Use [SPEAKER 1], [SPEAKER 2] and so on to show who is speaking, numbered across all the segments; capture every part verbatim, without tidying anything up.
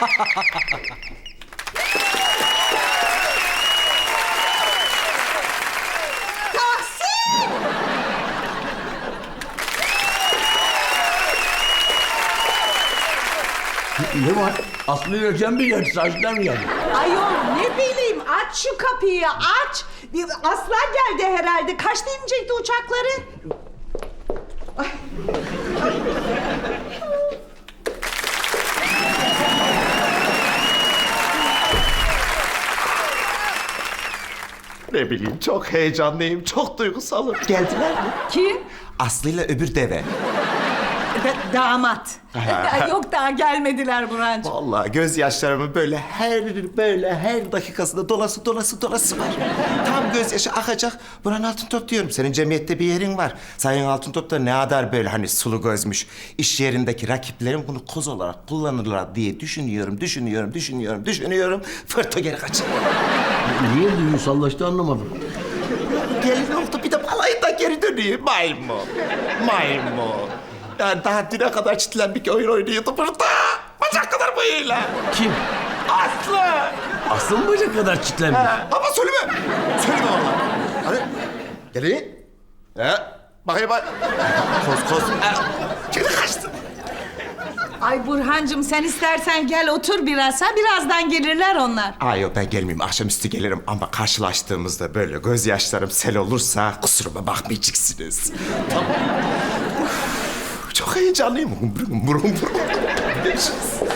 [SPEAKER 1] Ne var? Aslı ile sen mi geldi? Saçlar mı geldi?
[SPEAKER 2] Ayol ne bileyim, aç şu kapıyı, aç. Bir Aslan geldi herhalde. Kaçta inecekti uçakları? Ay.
[SPEAKER 3] Ne bileyim, çok heyecanlıyım, çok duygusalım. Geldiler mi?
[SPEAKER 2] Kim?
[SPEAKER 3] Aslı'yla öbür deve.
[SPEAKER 2] Da- damat. Yok daha gelmediler Burhancığım.
[SPEAKER 3] Vallahi gözyaşlarımın böyle her böyle her dakikasında dolası dolası dolası var. Tam gözyaşı akacak. Burhan Altıntop diyorum. Senin cemiyette bir yerin var. Sayın Altıntop da ne kadar böyle hani sulu gözmüş. İş yerindeki rakiplerim bunu koz olarak kullanırlar diye düşünüyorum, düşünüyorum, düşünüyorum, düşünüyorum. Fırto geri kaçıyor.
[SPEAKER 1] Niye duygusallaştı anlamadım.
[SPEAKER 3] Gelin oldu bir de balayında geri dönüyor. Maymun. Maymun. Yani daha düne kadar çitlenmiş oyun oynuyordu burada. Bacak kadar boyuyla.
[SPEAKER 1] Kim?
[SPEAKER 3] Aslı.
[SPEAKER 1] Aslı mı bacak kadar çitlenmiş?
[SPEAKER 3] Ha, ama söyleme. Söyleme valla. Hani gelin. He. Bakayım bak. Koz koz. Ha. Kedi kaçtı.
[SPEAKER 2] Ay Burhancığım sen istersen gel otur biraz ha. Birazdan gelirler onlar.
[SPEAKER 3] Ay yok ben gelmeyeyim. Akşamüstü gelirim ama karşılaştığımızda böyle gözyaşlarım sel olursa kusuruma bakmayacaksınız. Tamam. Uf, çok heyecanlıyım. Burum burum burum. Görüşürüz.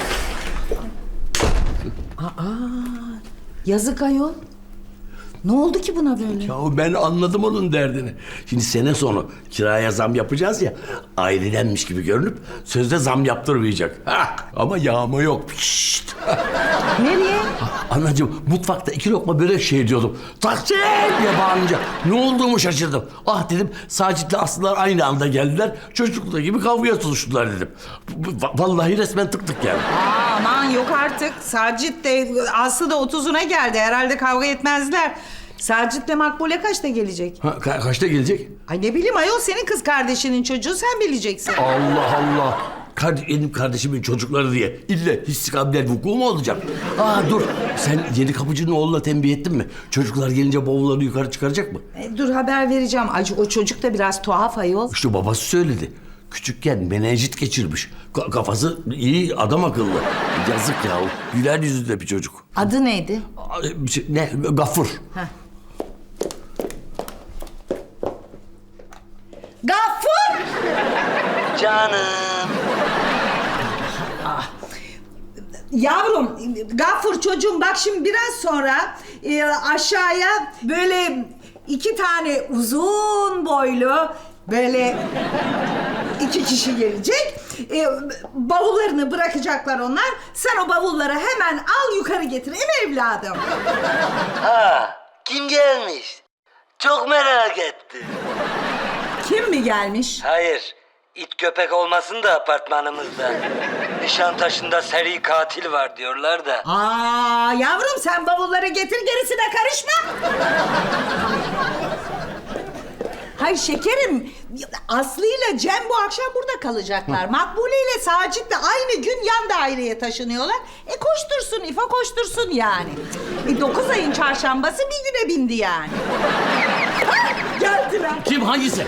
[SPEAKER 2] Yazık ayol. Ne oldu ki buna böyle?
[SPEAKER 1] Ya ben anladım onun derdini. Şimdi sene sonu kiraya zam yapacağız ya. Ailedenmiş gibi görünüp sözde zam yaptırmayacak. Ha, ama yağma yok. Şşt.
[SPEAKER 2] Nereye?
[SPEAKER 1] Anacığım mutfakta iki lokma börek şey diyordum. Taksim diye bağırınca ne olduğumu şaşırdım. Ah dedim Sacit'le Aslılar aynı anda geldiler. Çocuklar gibi kavgaya tutuştular dedim. Va- Vallahi resmen tık tık geldi.
[SPEAKER 2] Aa, aman yok artık. Sacit de Aslı da otuzuna geldi. Herhalde kavga etmezler. Sacit'le Makbule kaçta gelecek?
[SPEAKER 1] Ha, ka- kaçta gelecek?
[SPEAKER 2] Ay ne bileyim ayol senin kız kardeşinin çocuğu sen bileceksin.
[SPEAKER 1] Allah Allah. Kard- benim kardeşimin çocukları diye ille istikabiler vuku mu olacak? Aa dur sen yeni kapıcının oğluna tembih ettin mi? Çocuklar gelince bavullarını yukarı çıkaracak mı?
[SPEAKER 2] E, dur haber vereceğim. Ay, o çocuk da biraz tuhaf ayol.
[SPEAKER 1] İşte babası söyledi. Küçükken menenjit geçirmiş. Ka- kafası iyi adam akıllı. Yazık ya. Güler yüzlü bir çocuk.
[SPEAKER 2] Adı neydi?
[SPEAKER 1] Aa, bir şey- Ne? Gafur.
[SPEAKER 2] Gaffur!
[SPEAKER 1] Canım.
[SPEAKER 2] Yavrum, Gaffur çocuğum bak şimdi biraz sonra e, aşağıya böyle iki tane uzun boylu böyle iki kişi gelecek. E, bavullarını bırakacaklar onlar. Sen o bavulları hemen al yukarı getir. Değil mi evladım?
[SPEAKER 4] Ha, kim gelmiş? Çok merak ettim.
[SPEAKER 2] Kim mi gelmiş?
[SPEAKER 4] Hayır, it köpek olmasın da apartmanımızda. Nişantaşı'nda seri katil var diyorlar da.
[SPEAKER 2] Aa yavrum sen bavulları getir gerisine karışma. Hayır şekerim, Aslı ile Cem bu akşam burada kalacaklar. Makbule ile Sacit de aynı gün yan daireye taşınıyorlar. E koştursun İfa koştursun yani. E dokuz ayın çarşambası bir güne bindi yani. Ha, geldiler.
[SPEAKER 1] Kim hangisi?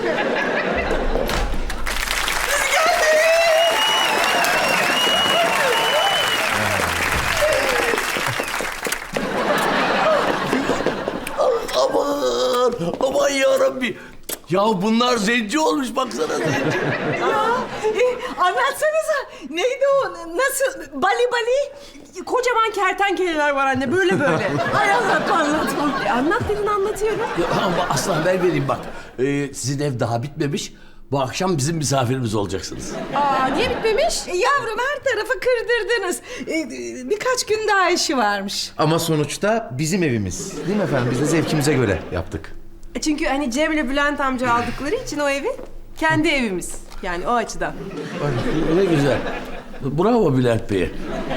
[SPEAKER 1] Aman, aman yarabbi. Ya bunlar zenci olmuş baksana zenci.
[SPEAKER 2] Ya e, anlatsanıza neydi o nasıl bali bali?
[SPEAKER 5] Kocaman kertenkeleler var anne böyle böyle.
[SPEAKER 2] Ay anlatma anlatma.
[SPEAKER 5] E, anlat dedin anlatıyorum.
[SPEAKER 1] Ya ama aslan haber vereyim bak. Ee, sizin ev daha bitmemiş. Bu akşam bizim misafirimiz olacaksınız.
[SPEAKER 5] Aa niye bitmemiş?
[SPEAKER 2] E, yavrum her tarafı kırdırdınız. E, e, birkaç gün daha işi varmış.
[SPEAKER 6] Ama sonuçta bizim evimiz. Değil mi efendim? Biz de zevkimize göre yaptık.
[SPEAKER 5] E, Çünkü hani Cem'le Bülent amca aldıkları için o evi kendi evimiz. Yani o açıdan.
[SPEAKER 1] Ne güzel. Bravo Bülent Bey.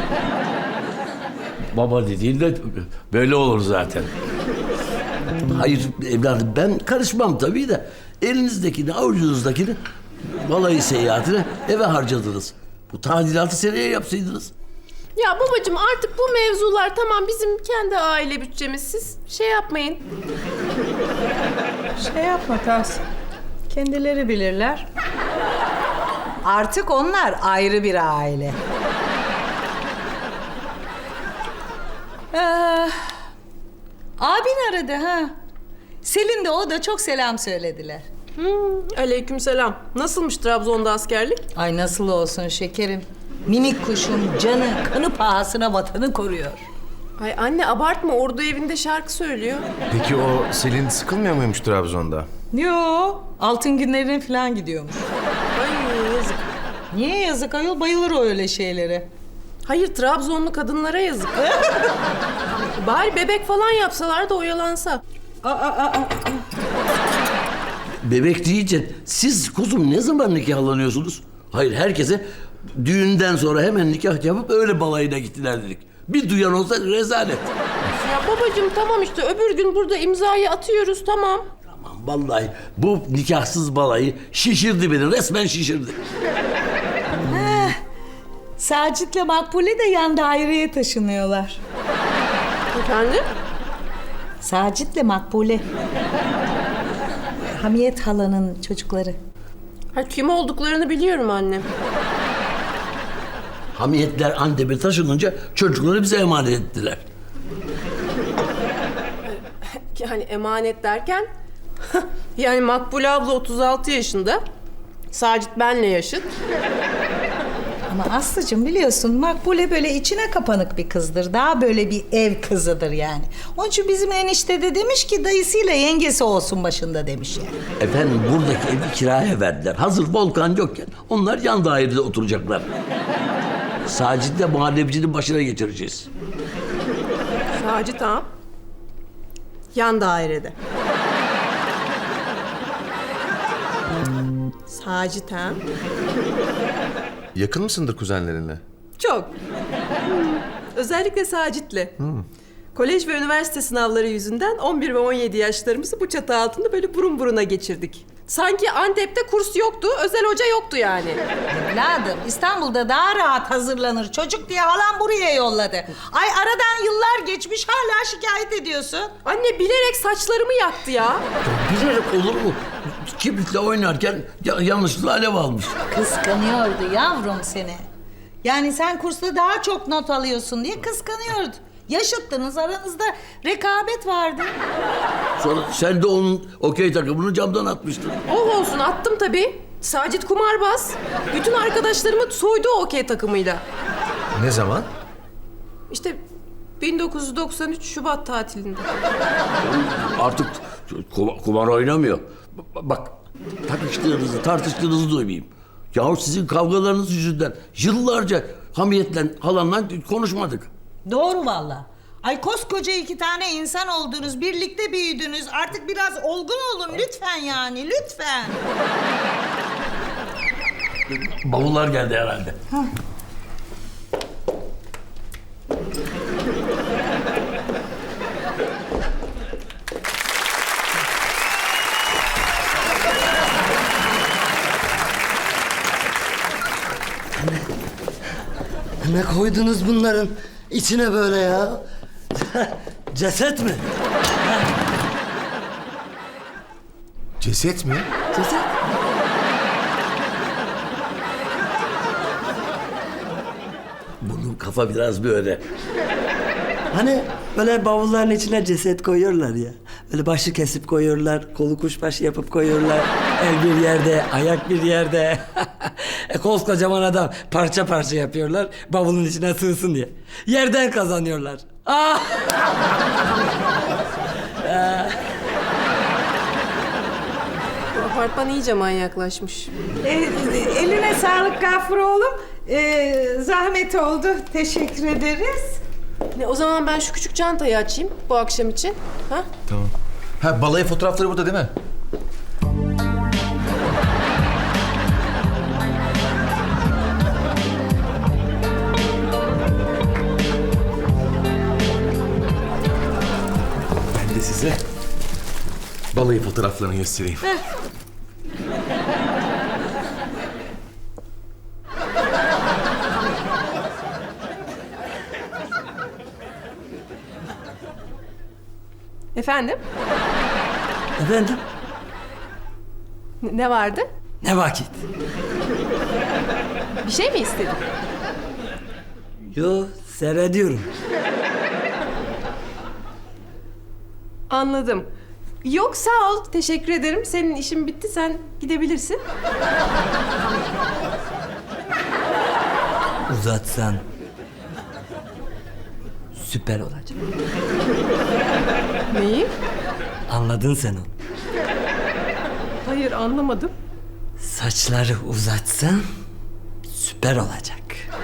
[SPEAKER 1] Baba dediğin de böyle olur zaten. Hayır evladım ben karışmam tabii de elinizdekini avucunuzdakini balayı seyahatine eve harcadınız. Bu tadilatı seneye yapsaydınız.
[SPEAKER 5] Ya babacığım artık bu mevzular tamam bizim kendi aile bütçemiz. Siz şey yapmayın.
[SPEAKER 2] Şey yapma Tahsin. Kendileri bilirler. Artık onlar ayrı bir aile. Ee, abin aradı ha. Selin de o da çok selam söylediler.
[SPEAKER 5] Hmm, aleykümselam. Nasılmış Trabzon'da askerlik?
[SPEAKER 2] Ay nasıl olsun şekerim. Minik kuşum canı kanı pahasına vatanı koruyor.
[SPEAKER 5] Ay anne abartma, ordu evinde şarkı söylüyor.
[SPEAKER 6] Peki o Selin sıkılmıyor muymuş Trabzon'da?
[SPEAKER 2] Yo, altın günlerine falan gidiyormuş.
[SPEAKER 5] Ay yazık.
[SPEAKER 2] Niye yazık ayol? Bayılır o öyle şeylere.
[SPEAKER 5] Hayır, Trabzonlu kadınlara yazık. Bari bebek falan yapsalar da oyalansa.
[SPEAKER 2] Aa, aa, aa.
[SPEAKER 1] Bebek deyince siz kuzum ne zaman nikahlanıyorsunuz? Hayır, herkese düğünden sonra hemen nikah yapıp öyle balayına gittiler dedik. Bir duyan olsa rezalet.
[SPEAKER 5] Ya babacığım tamam işte öbür gün burada imzayı atıyoruz tamam.
[SPEAKER 1] Aman vallahi bu nikahsız balayı şişirdi beni, resmen şişirdi.
[SPEAKER 2] Sacit'le Makbule de yan daireye taşınıyorlar.
[SPEAKER 5] Efendim?
[SPEAKER 2] Sacit'le Makbule. Hamiyet halanın çocukları.
[SPEAKER 5] Ha, kim olduklarını biliyorum annem.
[SPEAKER 1] Hamiyetler Antep'e taşınınca çocukları bize emanet ettiler.
[SPEAKER 5] Yani emanet derken... yani Makbule abla otuz altı yaşında. Sacit benle yaşıt.
[SPEAKER 2] Ama Aslı'cığım biliyorsun Makbule böyle içine kapanık bir kızdır. Daha böyle bir ev kızıdır yani. Onun için bizim enişte de demiş ki dayısıyla yengesi olsun başında demiş yani.
[SPEAKER 1] Efendim buradaki evi kiraya verdiler. Hazır Volkan yokken onlar yan dairede oturacaklar. Sacit'le muhallebicinin başına geçireceğiz.
[SPEAKER 5] Sacit ha. Yan dairede. Sacit ha.
[SPEAKER 6] Yakın mısındır kuzenlerinle?
[SPEAKER 5] Çok. Hmm, Özellikle Sacit'le. Kolej ve üniversite sınavları yüzünden on bir ve on yedi yaşlarımızı bu çatı altında böyle burun buruna geçirdik. Sanki Antep'te kurs yoktu, özel hoca yoktu yani.
[SPEAKER 2] Evladım İstanbul'da daha rahat hazırlanır çocuk diye halam buraya yolladı. Ay aradan yıllar geçmiş hala şikayet ediyorsun.
[SPEAKER 5] Anne bilerek saçlarımı yaktı ya.
[SPEAKER 1] Bilerek olur mu? Kibritle oynarken ya- yanlışlıkla alev almış.
[SPEAKER 2] Kıskanıyordu yavrum seni. Yani sen kursta daha çok not alıyorsun diye kıskanıyordu. Yaşıttınız aranızda rekabet vardı.
[SPEAKER 1] Sonra sen de onun okey takımını camdan atmıştın.
[SPEAKER 5] Oh olsun attım tabii. Sacit kumarbaz. Bütün arkadaşlarımı soydu o okey takımıyla.
[SPEAKER 6] Ne zaman?
[SPEAKER 5] İşte bin dokuz yüz doksan üç Şubat tatilinde.
[SPEAKER 1] Artık kuma- kumar oynamıyor. B- Bak takıştığınızı, tartıştığınızı duymayayım. Yahu sizin kavgalarınız yüzünden yıllarca hamiyetle, halanla konuşmadık.
[SPEAKER 2] Doğru valla. Ay koskoca iki tane insan oldunuz, birlikte büyüdünüz. Artık biraz olgun olun lütfen yani, lütfen.
[SPEAKER 1] Bavullar geldi herhalde.
[SPEAKER 4] Ne koydunuz bunların içine böyle ya? Ceset mi?
[SPEAKER 6] Ceset mi?
[SPEAKER 4] Ceset.
[SPEAKER 1] Bunun kafa biraz böyle.
[SPEAKER 4] Hani böyle bavulların içine ceset koyuyorlar ya. Böyle başı kesip koyuyorlar, kolu kuşbaşı yapıp koyuyorlar. El bir yerde, ayak bir yerde. e, koskocaman adam parça parça yapıyorlar, bavulun içine sığsın diye. Yerden kazanıyorlar. Ah!
[SPEAKER 5] Bu apartman iyice manyaklaşmış.
[SPEAKER 2] E, eline sağlık Gafur oğlum. E, zahmet oldu, teşekkür ederiz.
[SPEAKER 5] Ne, o zaman ben şu küçük çantayı açayım bu akşam için. Ha?
[SPEAKER 6] Tamam. Ha balayı fotoğrafları burada değil mi? Ben de size balayı fotoğraflarını göstereyim.
[SPEAKER 5] Efendim?
[SPEAKER 4] Efendim?
[SPEAKER 5] N- ne vardı?
[SPEAKER 4] Ne vakit?
[SPEAKER 5] Bir şey mi istedin?
[SPEAKER 4] Yo, seyrediyorum.
[SPEAKER 5] Anladım. Yok sağ ol. Teşekkür ederim. Senin işin bitti. Sen gidebilirsin.
[SPEAKER 4] Uzatsan süper olacak.
[SPEAKER 5] Neyi?
[SPEAKER 4] Anladın sen onu.
[SPEAKER 5] Hayır anlamadım.
[SPEAKER 4] Saçları uzatsan süper olacak.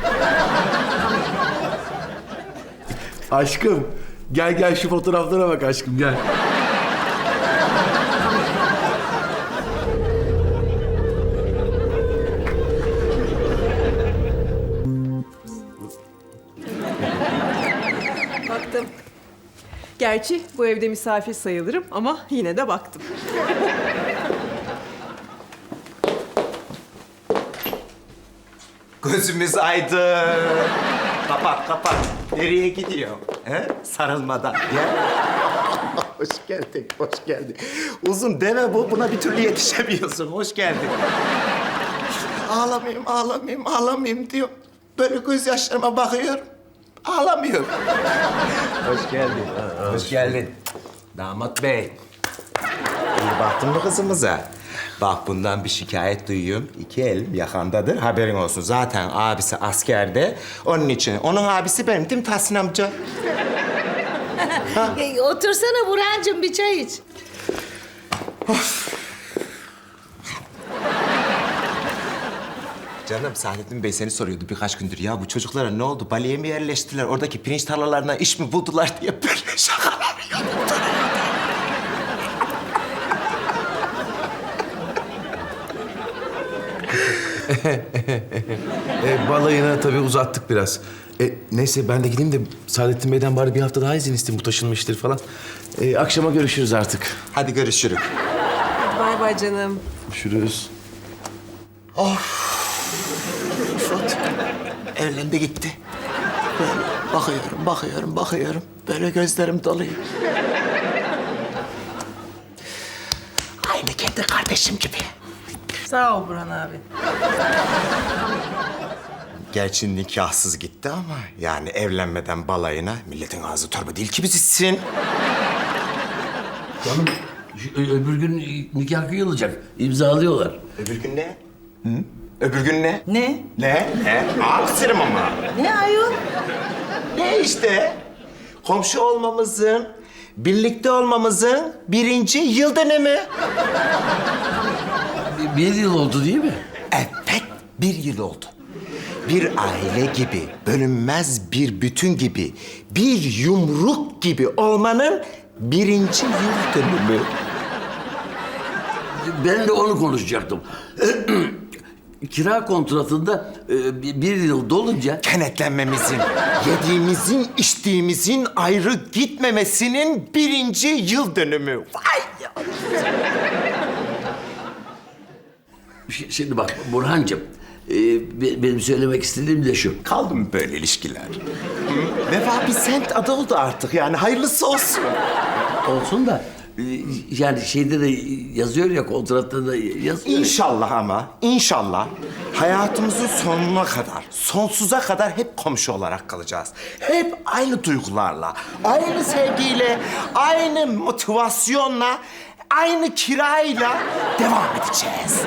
[SPEAKER 6] Aşkım gel gel şu fotoğraflara bak aşkım gel.
[SPEAKER 5] Baktım. Gerçi bu evde misafir sayılırım ama yine de baktım.
[SPEAKER 3] Gözümüz aydın. Kapat kapat. Nereye gidiyor? He? Sarılmadan. Gel. Hoş geldin, hoş geldin. Uzun deve bu, buna bir türlü yetişemiyorsun. Hoş geldin. Ağlamayayım, ağlamayayım, ağlamayayım diyor. Böyle gözyaşlarıma bakıyorum. Ağlamıyorum. Hoş geldin. Hoş geldin. Damat bey. İyi baktın mı kızımıza? Bak bundan bir şikayet duyuyorum. İki elim yakandadır. Haberin olsun. Zaten abisi askerde. Onun için. Onun abisi benim değil mi Tahsin amca?
[SPEAKER 2] E, otursana Burhan'cığım bir çay iç.
[SPEAKER 3] Canım Saadettin Bey seni soruyordu birkaç gündür. Ya bu çocuklara ne oldu? Bali'ye mi yerleştiler? Oradaki pirinç tarlalarına iş mi buldular diye böyle şakalar yaptı.
[SPEAKER 6] E, balayına tabii uzattık biraz. E, neyse ben de gideyim de Saadettin Bey'den bari bir hafta daha izin isteyeyim. Bu taşınmıştır falan. E, akşama görüşürüz artık.
[SPEAKER 3] Hadi görüşürüz.
[SPEAKER 5] Bay bay canım.
[SPEAKER 6] Görüşürüz.
[SPEAKER 3] Fırat evlendi gitti. Böyle bakıyorum, bakıyorum, bakıyorum. Böyle gözlerim doluyor. Aynı kendi kardeşim gibi.
[SPEAKER 5] Sağ ol Burhan abi.
[SPEAKER 3] Gerçi nikahsız gitti ama yani evlenmeden balayına milletin ağzı torba değil ki biz içsin.
[SPEAKER 1] Canım şu- ö- öbür gün nikah kıyılacak. İmzalıyorlar.
[SPEAKER 3] Öbür gün ne? Hı? Öbür gün ne?
[SPEAKER 2] Ne?
[SPEAKER 3] Ne? Ne? Aksirim ama.
[SPEAKER 2] Ne ayol?
[SPEAKER 3] Ne işte? Komşu olmamızın, birlikte olmamızın birinci yıl dönümü.
[SPEAKER 1] Bir, bir yıl oldu değil mi?
[SPEAKER 3] Evet, bir yıl oldu. Bir aile gibi, bölünmez bir bütün gibi, bir yumruk gibi olmanın birinci yıl dönümü.
[SPEAKER 1] Ben de onu konuşacaktım. Kira kontratında e, bir bir yıl dolunca
[SPEAKER 3] Kenetlenmemizin, yediğimizin, içtiğimizin ayrı gitmemesinin birinci yıl dönümü. Vay ya!
[SPEAKER 1] Ş- şimdi bak Burhancığım, e, be- benim söylemek istediğim de şu.
[SPEAKER 3] Kaldı mı böyle ilişkiler? Hı? Vefa bir semt adı oldu artık yani hayırlısı olsun.
[SPEAKER 1] Olsun da e, yani şeyde de yazıyor ya, kontratta da yazıyor.
[SPEAKER 3] İnşallah ama, inşallah hayatımızın sonuna kadar, sonsuza kadar hep komşu olarak kalacağız. Hep aynı duygularla, aynı sevgiyle, aynı motivasyonla, aynı kirayla devam edeceğiz.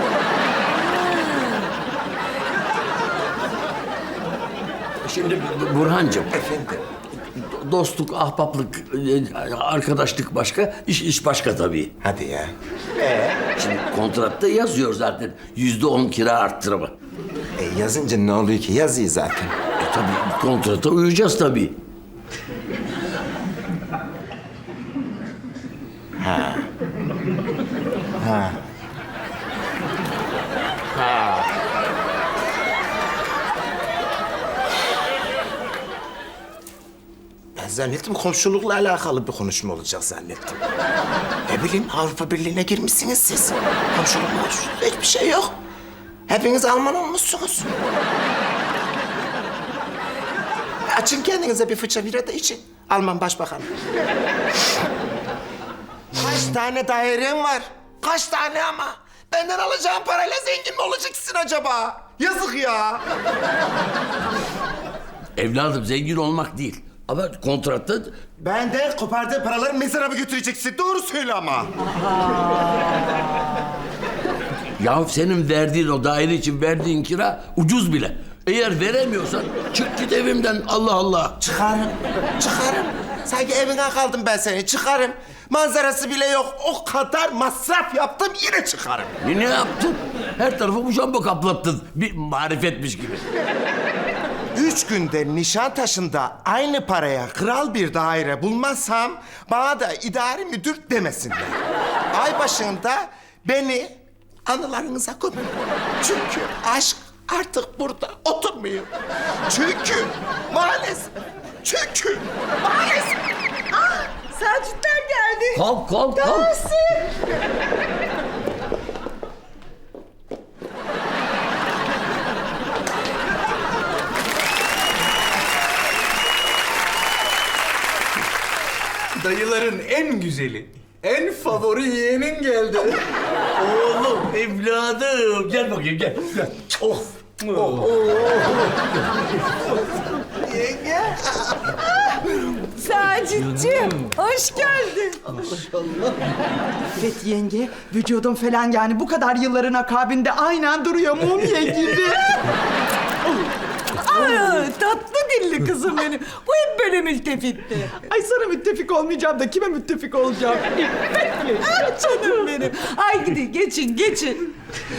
[SPEAKER 1] Şimdi Bu- Burhancığım,
[SPEAKER 3] Efendim?
[SPEAKER 1] dostluk, ahbaplık, e, arkadaşlık başka, iş iş başka tabii.
[SPEAKER 3] Hadi ya.
[SPEAKER 1] Şimdi kontratta yazıyor zaten yüzde on kira arttırma.
[SPEAKER 3] E yazınca ne oluyor ki? Yazıyor zaten.
[SPEAKER 1] E tabii kontrata uyacağız tabii.
[SPEAKER 3] Ben zannettim komşulukla alakalı bir konuşma olacak zannettim. Ne bileyim Avrupa Birliği'ne girmişsiniz siz. Komşuluk komşuluk hiçbir şey yok. Hepiniz Alman olmuşsunuz. Açın kendinize bir fıça bira da için. Alman başbakanı. Kaç tane dairen var? Kaç tane ama? Benden alacağın parayla zengin mi olacaksın acaba? Yazık ya.
[SPEAKER 1] Evladım zengin olmak değil. Ama kontratta
[SPEAKER 3] Benden kopardığın paraları mezara mı götüreceksin? Doğru söyle ama.
[SPEAKER 1] ya senin verdiğin o daire için verdiğin kira ucuz bile. Eğer veremiyorsan çık git evimden Allah Allah.
[SPEAKER 3] Çıkarım, çıkarım. Sanki evine kaldım ben seni, çıkarım. Manzarası bile yok. O kadar masraf yaptım, yine çıkarım.
[SPEAKER 1] Ne, ne yaptın? Her tarafı bu jambon kaplattın. Bir marifetmiş gibi.
[SPEAKER 3] Üç günde Nişantaşı'nda aynı paraya kral bir daire bulmazsam... ...bana da idari müdür demesinler. Ay başında beni anılarınıza gömün. Çünkü aşk artık burada oturmuyor. Çünkü maalesef, çünkü maalesef...
[SPEAKER 2] Sacitler geldi.
[SPEAKER 1] Kalk kalk kalk.
[SPEAKER 7] Dayıların en güzeli, en favori yeğenin geldi.
[SPEAKER 1] Oğlum evladım gel bakayım gel. Gel. Of.
[SPEAKER 2] Sacitciğim, hoş geldin. Evet yenge, vücudun falan yani bu kadar yılların akabinde aynen duruyor mumya gibi. Ay, tatlı dilli kızım benim. Bu hep böyle mültefitti. Ay sana müttefik olmayacağım da kime müttefik olacağım? İffetli. Ay canım benim. Ay gidin geçin geçin.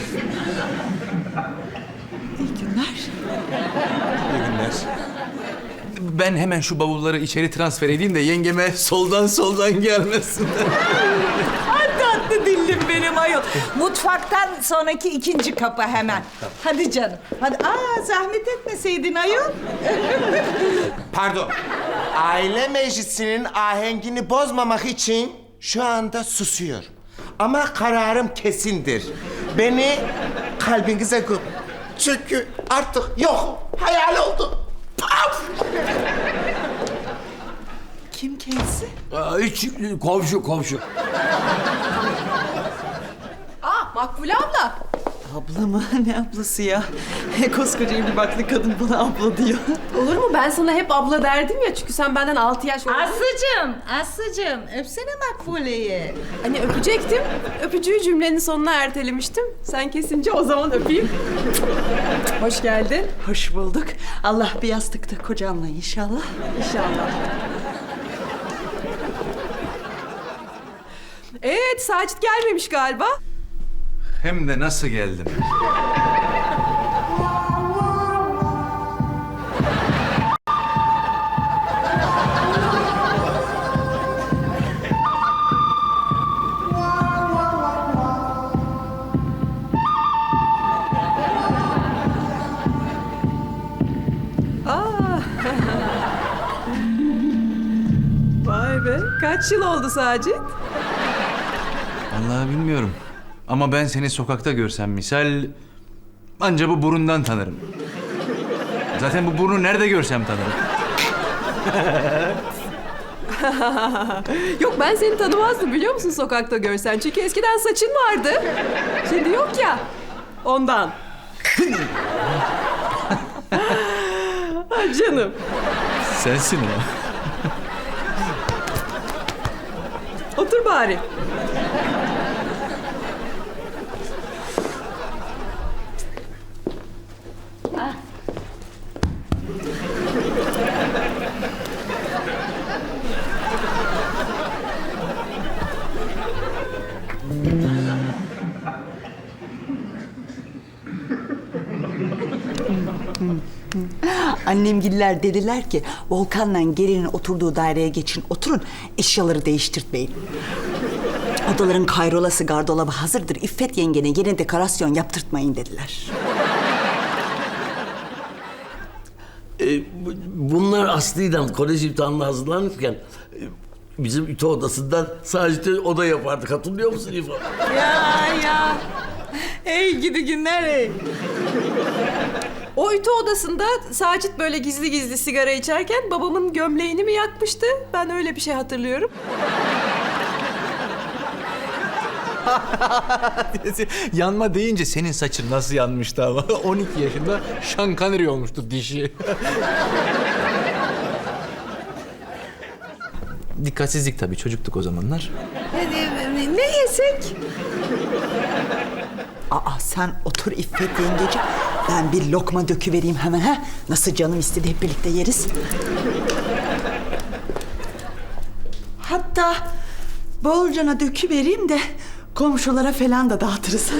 [SPEAKER 2] İyi günler.
[SPEAKER 7] İyi günler. Ben hemen şu bavulları içeri transfer edeyim de yengeme soldan soldan gelmesin.
[SPEAKER 2] Ay tatlı dillim benim ayol. Mutfaktan sonraki ikinci kapı hemen. Hadi canım. Hadi. Aa zahmet etmeseydin ayol.
[SPEAKER 3] Pardon. Aile meclisinin ahengini bozmamak için şu anda susuyorum. Ama kararım kesindir. Beni kalbinize gömün. Çünkü artık yok. Hayal oldu. Paf!
[SPEAKER 2] Kim kendisi?
[SPEAKER 1] Aa, hiç komşu komşu.
[SPEAKER 5] Aa Makbule abla.
[SPEAKER 2] Abla mı? Ne ablası ya? Koskoca evli baklı kadın bana abla diyor.
[SPEAKER 5] Olur mu? Ben sana hep abla derdim ya çünkü sen benden altı yaş oldun.
[SPEAKER 2] Aslıcığım, Aslıcığım öpsene Makbule'yi.
[SPEAKER 5] Hani öpecektim. Öpücüğü cümlenin sonuna ertelemiştim. Sen kesince o zaman öpeyim. Hoş geldin.
[SPEAKER 2] Hoş bulduk. Allah bir yastıkta kocamla inşallah.
[SPEAKER 5] İnşallah. Evet, Sacit gelmemiş galiba.
[SPEAKER 7] Hem de nasıl geldim?
[SPEAKER 5] Aa. Vay be, kaç yıl oldu Sacit?
[SPEAKER 7] Vallahi bilmiyorum. Ama ben seni sokakta görsem misal... ...anca bu burundan tanırım. Zaten bu burnu nerede görsem tanırım.
[SPEAKER 5] Yok ben seni tanımazdım biliyor musun sokakta görsen? Çünkü eskiden saçın vardı. Şimdi yok ya. Ondan. Ay canım.
[SPEAKER 7] Sensin o.
[SPEAKER 5] Otur bari.
[SPEAKER 2] Annemgiller dediler ki Volkan'la gelinin oturduğu daireye geçin oturun eşyaları değiştirtmeyin. Odaların kayrolası gardolabı hazırdır. İffet yengene yeni dekorasyon yaptırtmayın dediler.
[SPEAKER 1] Ee, bu- bunlar Aslı'yla kolej imtihanına hazırlanırken... e, ...bizim ütü odasından sadece oda yapardık. Hatırlıyor musun İfa?
[SPEAKER 2] Ya ya. Ey gidi günler ey.
[SPEAKER 5] O ütü odasında Sacit böyle gizli gizli sigara içerken babamın gömleğini mi yakmıştı? Ben öyle bir şey hatırlıyorum.
[SPEAKER 7] Yanma deyince senin saçın nasıl yanmıştı ama. on iki yaşında Sean Connery olmuştu dişi. Dikkatsizlik tabii, çocuktuk o zamanlar.
[SPEAKER 2] Ne, ne yesek?
[SPEAKER 8] Aa sen otur İffet yengeciğim. Ben bir lokma döküvereyim hemen ha. Nasıl canım istedi hep birlikte yeriz. Hatta bolcana döküvereyim de komşulara falan da dağıtırız.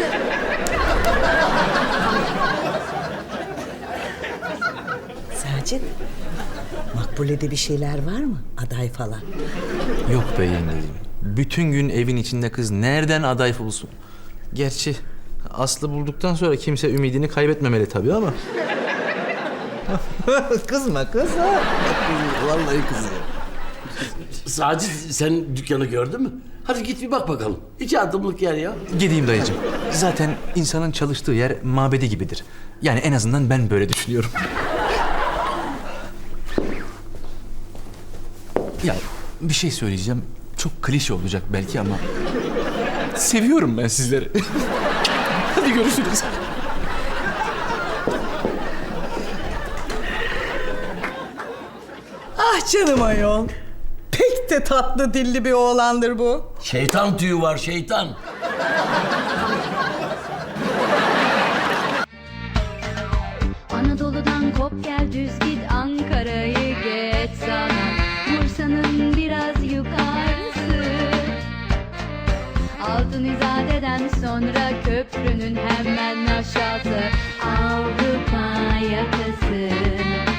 [SPEAKER 8] Sacit, Makbule'de bir şeyler var mı? Aday falan.
[SPEAKER 7] Yok be yengeciğim. Bütün gün evin içinde kız nereden aday bulsun? Gerçi Aslı bulduktan sonra kimse ümidini kaybetmemeli tabii ama. Kızma kız. Vallahi kızıyor.
[SPEAKER 1] Sacit sen dükkanı gördün mü? Hadi git bir bak bakalım. İki adımlık yer ya.
[SPEAKER 7] Gideyim dayıcığım. Zaten insanın çalıştığı yer mabedi gibidir. Yani en azından ben böyle düşünüyorum. Ya bir şey söyleyeceğim. Çok klişe olacak belki ama... seviyorum ben sizleri. Hadi görüşürüz.
[SPEAKER 8] Ah canım ayol. Pek de tatlı dilli bir oğlandır bu.
[SPEAKER 1] Şeytan tüyü var şeytan.
[SPEAKER 9] Anadolu'dan kop gel düz git Ankara'yı geç sana Bursa'nın biraz yukarısı Altın İzade'den sonra köprünün hemen aşağısı Avrupa yakası